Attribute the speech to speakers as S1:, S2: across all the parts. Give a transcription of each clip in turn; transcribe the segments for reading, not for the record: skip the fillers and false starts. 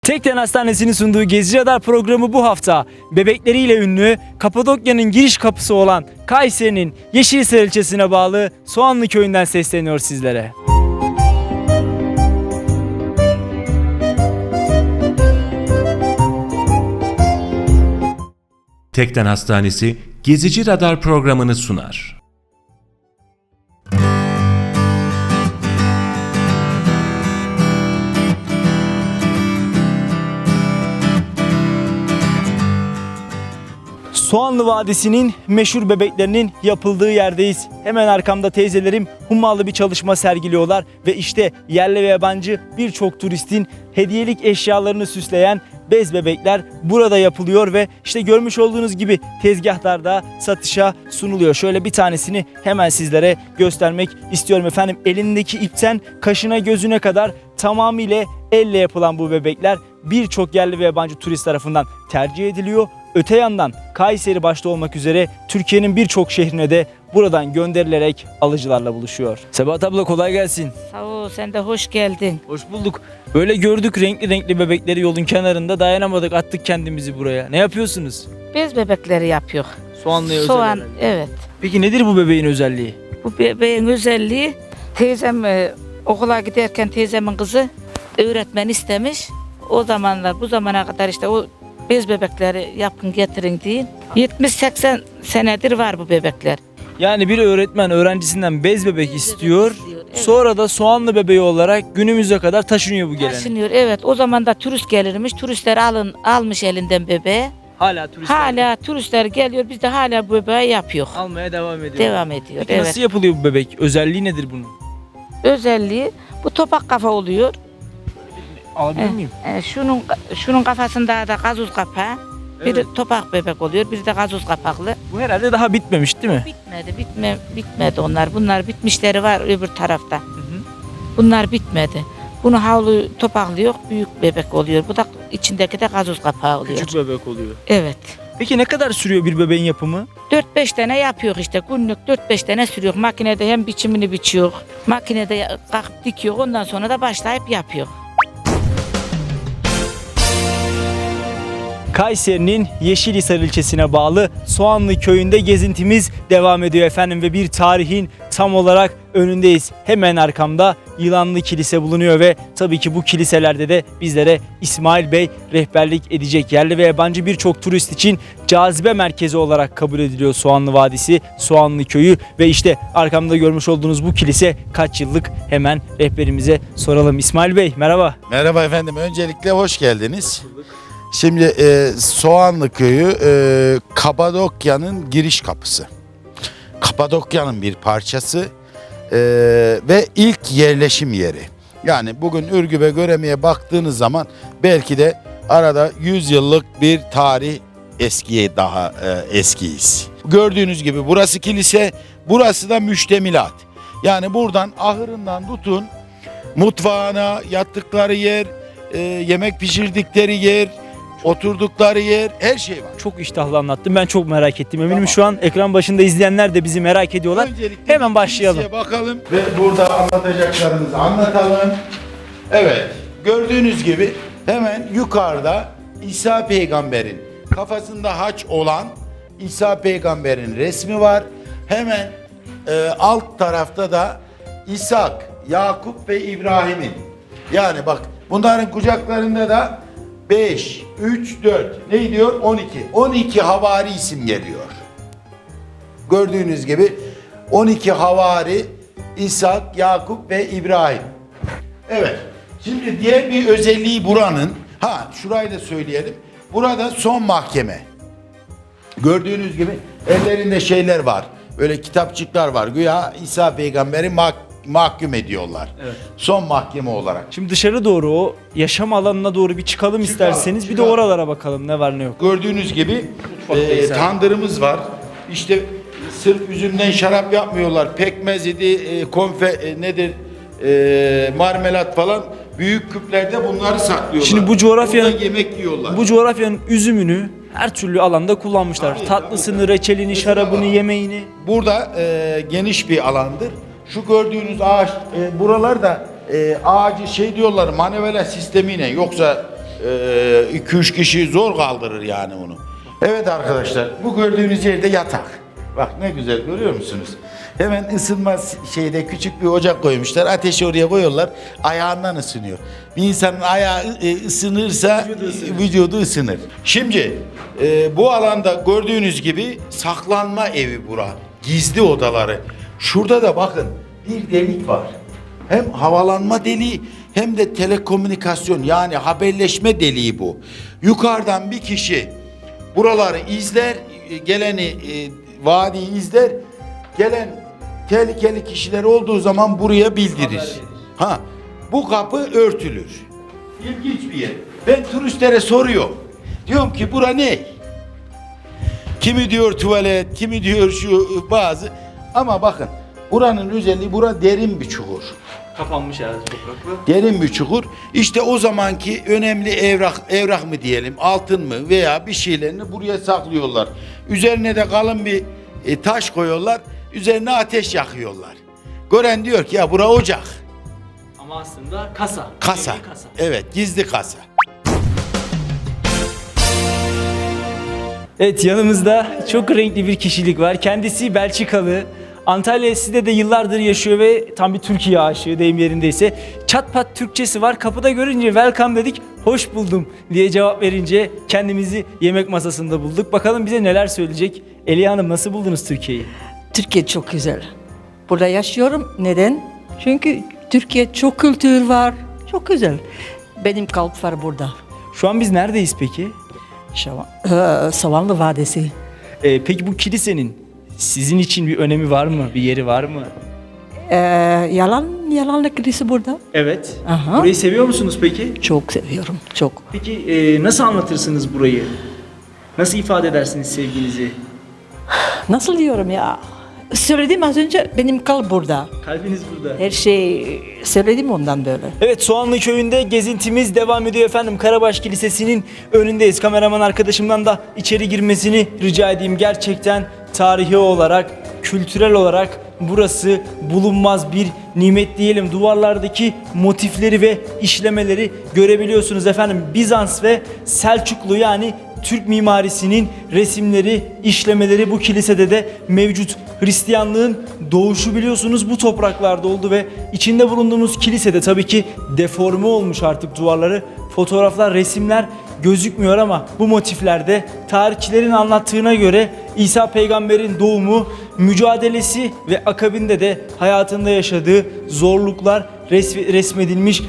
S1: Tekden Hastanesi'nin sunduğu Gezi Radar programı bu hafta bebekleriyle ünlü Kapadokya'nın giriş kapısı olan Kayseri'nin Yeşilhisar ilçesine bağlı Soğanlı köyünden sesleniyor sizlere.
S2: Tekden Hastanesi Gezici Radar programını sunar.
S1: Soğanlı Vadisi'nin meşhur bebeklerinin yapıldığı yerdeyiz. Hemen arkamda teyzelerim hummalı bir çalışma sergiliyorlar ve işte yerli ve yabancı birçok turistin hediyelik eşyalarını süsleyen bez bebekler burada yapılıyor ve işte görmüş olduğunuz gibi tezgahlarda satışa sunuluyor. Şöyle bir tanesini hemen sizlere göstermek istiyorum efendim. Elindeki ipten kaşına gözüne kadar tamamıyla elle yapılan bu bebekler birçok yerli ve yabancı turist tarafından tercih ediliyor. Öte yandan Kayseri başta olmak üzere Türkiye'nin birçok şehrine de buradan gönderilerek alıcılarla buluşuyor. Sebahat abla kolay gelsin.
S3: Sağ ol, sen de hoş geldin.
S1: Hoş bulduk. Böyle gördük renkli renkli bebekleri yolun kenarında, dayanamadık, attık kendimizi buraya. Ne yapıyorsunuz?
S3: Bez bebekleri yapıyor.
S1: Soğanlıya özel
S3: Soğan,
S1: herhalde.
S3: evet.
S1: Peki nedir bu bebeğin özelliği?
S3: Bu bebeğin özelliği, teyzem okula giderken teyzemin kızı öğretmen istemiş. O zamanlar, bu zamana kadar işte o bez bebekleri yapın getirin deyin. 70-80 senedir var bu bebekler.
S1: Yani bir öğretmen öğrencisinden bez bebek istiyor.
S3: evet.
S1: Sonra da soğanlı bebeği olarak günümüze kadar taşınıyor bu gelenek.
S3: Taşınıyor, evet. O zaman da turist gelirmiş. Turistler almış elinden bebeği.
S1: Hala turistler
S3: Hala turistler geliyor. Biz de hala bu bebeği yapıyor.
S1: almaya devam ediyor.
S3: Devam ediyor.
S1: Peki
S3: Evet.
S1: nasıl yapılıyor bu bebek? Özelliği nedir bunun?
S3: Özelliği bu topak kafa oluyor.
S1: Alabilir miyim?
S3: Şunun kafasında da gazoz kapağı.
S1: Evet.
S3: Biri topak bebek oluyor, biri de gazoz kapaklı.
S1: Bu herhalde daha bitmemiş değil mi?
S3: Bitmedi onlar. Bunlar bitmişleri var öbür tarafta. Bunlar bitmedi. Bunu havlu topaklı yok, büyük bebek oluyor. Bu da içindeki de gazoz kapağı oluyor.
S1: Küçük bebek oluyor.
S3: Evet.
S1: Peki ne kadar sürüyor bir bebeğin yapımı?
S3: 4-5 tane yapıyor işte. Günlük 4-5 tane sürüyor. Makinede hem biçimini biçiyor. Makinede kalkıp dikiyor. Ondan sonra da başlayıp yapıyor.
S1: Kayseri'nin Yeşilhisar ilçesine bağlı Soğanlı köyünde gezintimiz devam ediyor efendim ve bir tarihin tam olarak önündeyiz. Hemen arkamda Yılanlı Kilise bulunuyor ve tabii ki bu kiliselerde de bizlere İsmail Bey rehberlik edecek. Yerli ve yabancı birçok turist için cazibe merkezi olarak kabul ediliyor Soğanlı Vadisi, Soğanlı Köyü ve işte arkamda görmüş olduğunuz bu kilise kaç yıllık, hemen rehberimize soralım. İsmail Bey merhaba.
S4: Merhaba efendim. Öncelikle hoş geldiniz. Şimdi Soğanlı Köyü Kapadokya'nın giriş kapısı. Kapadokya'nın bir parçası ve ilk yerleşim yeri. Yani bugün Ürgüp'e Göreme'ye baktığınız zaman belki de arada 100 yıllık bir tarih eskiye daha eskiyiz. Gördüğünüz gibi burası kilise, burası da müştemilat. Yani buradan ahırından tutun mutfağına, yattıkları yer, yemek pişirdikleri yer, oturdukları yer, her şey var.
S1: Çok iştahlı anlattım. Ben çok merak ettim. Eminim şu an ekran başında izleyenler de bizi merak ediyorlar.
S4: Öncelikle
S1: Hemen başlayalım.
S4: kiliseye bakalım ve burada anlatacaklarımızı anlatalım. Evet, gördüğünüz gibi hemen yukarıda İsa Peygamber'in kafasında haç olan İsa Peygamber'in resmi var. Hemen alt tarafta da İshak, Yakup ve İbrahim'in. Yani bak bunların kucaklarında da 5, 3, 4 ne diyor? 12. 12 havari isim geliyor. Gördüğünüz gibi 12 havari İshak, Yakup ve İbrahim. Evet. Şimdi diğer bir özelliği buranın, şurayı da söyleyelim. Burada son mahkeme. Gördüğünüz gibi ellerinde şeyler var. Böyle kitapçıklar var. Güya İsa Peygamber'i mahkum ediyorlar.
S1: Evet.
S4: Son mahkeme olarak.
S1: Şimdi dışarı doğru, o yaşam alanına doğru bir çıkalım isterseniz. Bir de
S4: çıkalım.
S1: oralara bakalım ne var ne yok.
S4: Gördüğünüz gibi
S1: Mutfaktayız abi.
S4: tandırımız var. İşte sırf üzümden şarap yapmıyorlar. Pekmez idi, nedir? Marmelat falan. Büyük küplerde bunları saklıyorlar.
S1: Şimdi bu coğrafyanın-
S4: Burada yemek yiyorlar.
S1: Bu coğrafyanın üzümünü her türlü alanda kullanmışlar.
S4: Tabii,
S1: Tatlısını,
S4: tabii.
S1: reçelini,
S4: Mesela
S1: şarabını,
S4: bak.
S1: yemeğini.
S4: Burada geniş bir alandır. Şu gördüğünüz ağaç, buralar da ağacı diyorlar manevela sistemiyle, yoksa 2-3 kişi zor kaldırır yani onu. Evet arkadaşlar, bu gördüğünüz yerde yatak. Bak ne güzel, görüyor musunuz? Hemen ısınma şeyde küçük bir ocak koymuşlar. Ateşi oraya koyuyorlar. Ayağından ısınıyor. Bir insanın ayağı ısınırsa vücudu ısınır. Şimdi bu alanda gördüğünüz gibi saklanma evi bura. Gizli odaları. Şurada da bakın bir delik var. Hem havalanma deliği hem de telekomünikasyon, yani haberleşme deliği bu. Yukarıdan bir kişi buraları izler, geleni vadiyi izler. Gelen tehlikeli kişiler olduğu zaman buraya bildirir. Ha, bu kapı örtülür. İlginç bir yer. Ben turistlere soruyorum. Diyorum ki bura ne? Kimi diyor tuvalet, kimi diyor şu bazı. Ama bakın buranın özelliği, bura derin bir çukur.
S1: Kapanmış herhalde toprakla.
S4: Derin bir çukur. İşte o zamanki önemli evrak mı diyelim, altın mı veya bir şeylerini buraya saklıyorlar. Üzerine de kalın bir taş koyuyorlar. Üzerine ateş yakıyorlar. Gören diyor ki ya bura ocak.
S1: Ama aslında kasa.
S4: Kasa.
S1: Gizli kasa.
S4: Evet, gizli kasa.
S1: Evet, yanımızda çok renkli bir kişilik var. Kendisi Belçikalı. Antalya Side'de de yıllardır yaşıyor ve tam bir Türkiye aşığı, deyim yerindeyse. Çat pat Türkçesi var. Kapıda görünce welcome dedik, hoş buldum diye cevap verince kendimizi yemek masasında bulduk. Bakalım bize neler söyleyecek. Eliye Hanım, nasıl buldunuz Türkiye'yi?
S5: Türkiye çok güzel. Burada yaşıyorum. Neden? Çünkü Türkiye çok kültür var. Çok güzel. Benim kalp var burada.
S1: Şu an biz neredeyiz peki?
S5: Savanlı Vadisi.
S1: Peki bu kilisenin sizin için bir önemi var mı? Bir yeri var mı?
S5: Yalanlı kilise burada.
S1: Evet.
S5: Aha.
S1: Burayı seviyor musunuz peki?
S5: Çok seviyorum. Çok.
S1: Peki nasıl anlatırsınız burayı? Nasıl ifade edersiniz sevginizi?
S5: Nasıl diyorum ya? Söyledim az önce, benim kalp burada.
S1: Kalbiniz burada.
S5: Her şey söyledim ondan böyle.
S1: Evet, Soğanlı Köyü'nde gezintimiz devam ediyor efendim. Karabaş Kilisesi'nin önündeyiz. Kameraman arkadaşımdan da içeri girmesini rica edeyim. Gerçekten tarihi olarak, kültürel olarak burası bulunmaz bir nimet diyelim. Duvarlardaki motifleri ve işlemeleri görebiliyorsunuz efendim. Bizans ve Selçuklu, yani Türk mimarisinin resimleri, işlemeleri bu kilisede de mevcut. Hristiyanlığın doğuşu biliyorsunuz bu topraklarda oldu ve içinde bulunduğumuz kilisede tabii ki deforme olmuş artık duvarları. Fotoğraflar, resimler gözükmüyor ama bu motiflerde tarihçilerin anlattığına göre İsa peygamberin doğumu, mücadelesi ve akabinde de hayatında yaşadığı zorluklar resmedilmiş.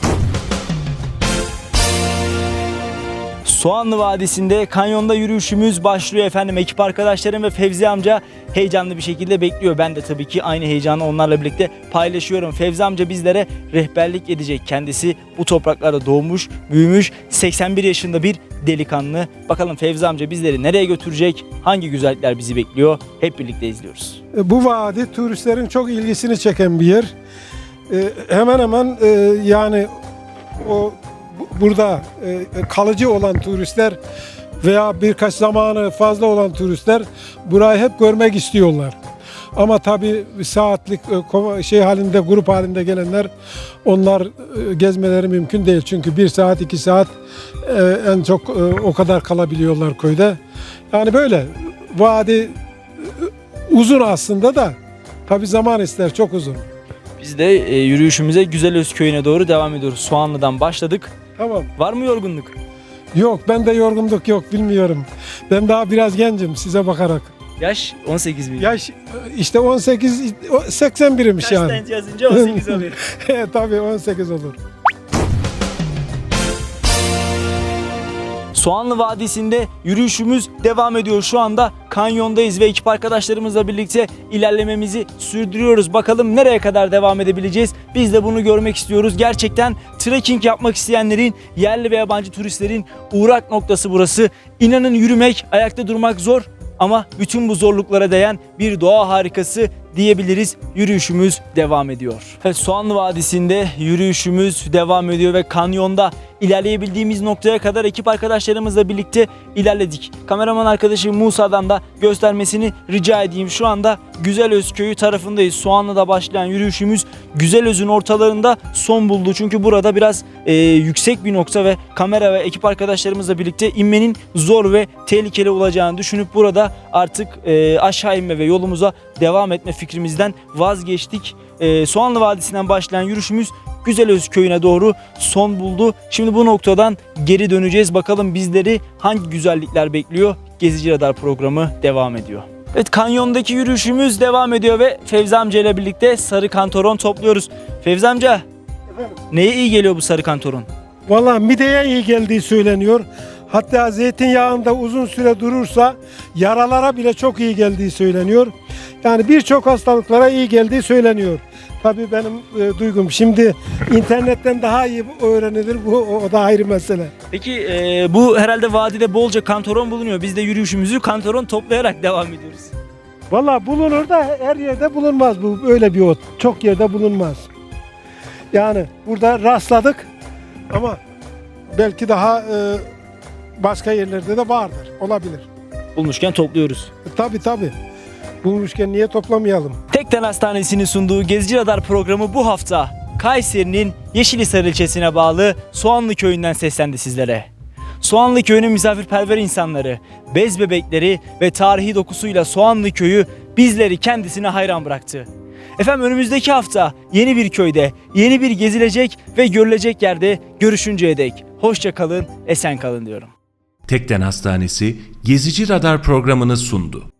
S1: Soğanlı Vadisi'nde kanyonda yürüyüşümüz başlıyor efendim. Ekip arkadaşlarım ve Fevzi amca heyecanlı bir şekilde bekliyor. Ben de tabii ki aynı heyecanı onlarla birlikte paylaşıyorum. Fevzi amca bizlere rehberlik edecek. Kendisi bu topraklarda doğmuş, büyümüş, 81 yaşında bir delikanlı. Bakalım Fevzi amca bizleri nereye götürecek? Hangi güzellikler bizi bekliyor? Hep birlikte izliyoruz.
S6: Bu vadi turistlerin çok ilgisini çeken bir yer. Hemen hemen yani burada kalıcı olan turistler veya birkaç zamanı fazla olan turistler burayı hep görmek istiyorlar. Ama tabii saatlik halinde, grup halinde gelenler, onlar gezmeleri mümkün değil. Çünkü 1 saat 2 saat en çok o kadar kalabiliyorlar köyde. Yani böyle vadi uzun aslında da tabii zaman ister, çok uzun.
S1: Biz de yürüyüşümüze Güzelöz Köyü'ne doğru devam ediyoruz. Soğanlı'dan başladık.
S6: Tamam.
S1: Var mı yorgunluk?
S6: Yok, bende yorgunluk yok, bilmiyorum. Ben daha biraz gencim size bakarak.
S1: Yaş 18 mi?
S6: Yaş işte 18, 81'miş yani.
S1: Kaçtan yazınca 18 oluyor.
S6: Tabii 18 olur.
S1: Soğanlı Vadisi'nde yürüyüşümüz devam ediyor. Şu anda kanyondayız ve ekip arkadaşlarımızla birlikte ilerlememizi sürdürüyoruz. Bakalım nereye kadar devam edebileceğiz? Biz de bunu görmek istiyoruz. Gerçekten trekking yapmak isteyenlerin, yerli ve yabancı turistlerin uğrak noktası burası. İnanın yürümek, ayakta durmak zor ama bütün bu zorluklara değen bir doğa harikası diyebiliriz. Yürüyüşümüz devam ediyor. Evet, Soğanlı Vadisi'nde yürüyüşümüz devam ediyor ve kanyonda ilerleyebildiğimiz noktaya kadar ekip arkadaşlarımızla birlikte ilerledik. Kameraman arkadaşım Musa'dan da göstermesini rica edeyim. Şu anda Güzelöz köyü tarafındayız. Soğanlı'da başlayan yürüyüşümüz Güzelöz'ün ortalarında son buldu. Çünkü burada biraz yüksek bir nokta ve kamera ve ekip arkadaşlarımızla birlikte inmenin zor ve tehlikeli olacağını düşünüp burada artık aşağı inme ve yolumuza devam etme fikrimizden vazgeçtik. Soğanlı Vadisi'nden başlayan yürüyüşümüz Güzelöz köyüne doğru son buldu. Şimdi bu noktadan geri döneceğiz. Bakalım bizleri hangi güzellikler bekliyor? Gezici Radar programı devam ediyor. Evet, kanyondaki yürüyüşümüz devam ediyor ve Fevzi amca ile birlikte sarı kantaron topluyoruz. Fevzi amca, neye iyi geliyor bu sarı kantaron?
S6: Vallahi mideye iyi geldiği söyleniyor. Hatta zeytinyağında uzun süre durursa yaralara bile çok iyi geldiği söyleniyor. Yani birçok hastalıklara iyi geldiği söyleniyor. Tabii benim duygum. Şimdi internetten daha iyi öğrenilir. O da ayrı mesele.
S1: Peki bu herhalde vadide bolca kantaron bulunuyor. Biz de yürüyüşümüzü kantaron toplayarak devam ediyoruz.
S6: Vallahi bulunur da her yerde bulunmaz bu. Öyle bir ot. Çok yerde bulunmaz. Yani burada rastladık ama belki daha başka yerlerde de vardır. Olabilir.
S1: Bulmuşken topluyoruz.
S6: Tabii. Bulmuşken niye toplamayalım?
S1: Tekden Hastanesi'nin sunduğu Gezici Radar programı bu hafta Kayseri'nin Yeşilhisar ilçesine bağlı Soğanlı Köyü'nden seslendi sizlere. Soğanlı Köyü'nün misafirperver insanları, bez bebekleri ve tarihi dokusuyla Soğanlı Köyü bizleri kendisine hayran bıraktı. Efendim, önümüzdeki hafta yeni bir köyde, yeni bir gezilecek ve görülecek yerde görüşünceye dek hoşça kalın, esen kalın diyorum.
S2: Tekden Hastanesi Gezici Radar programını sundu.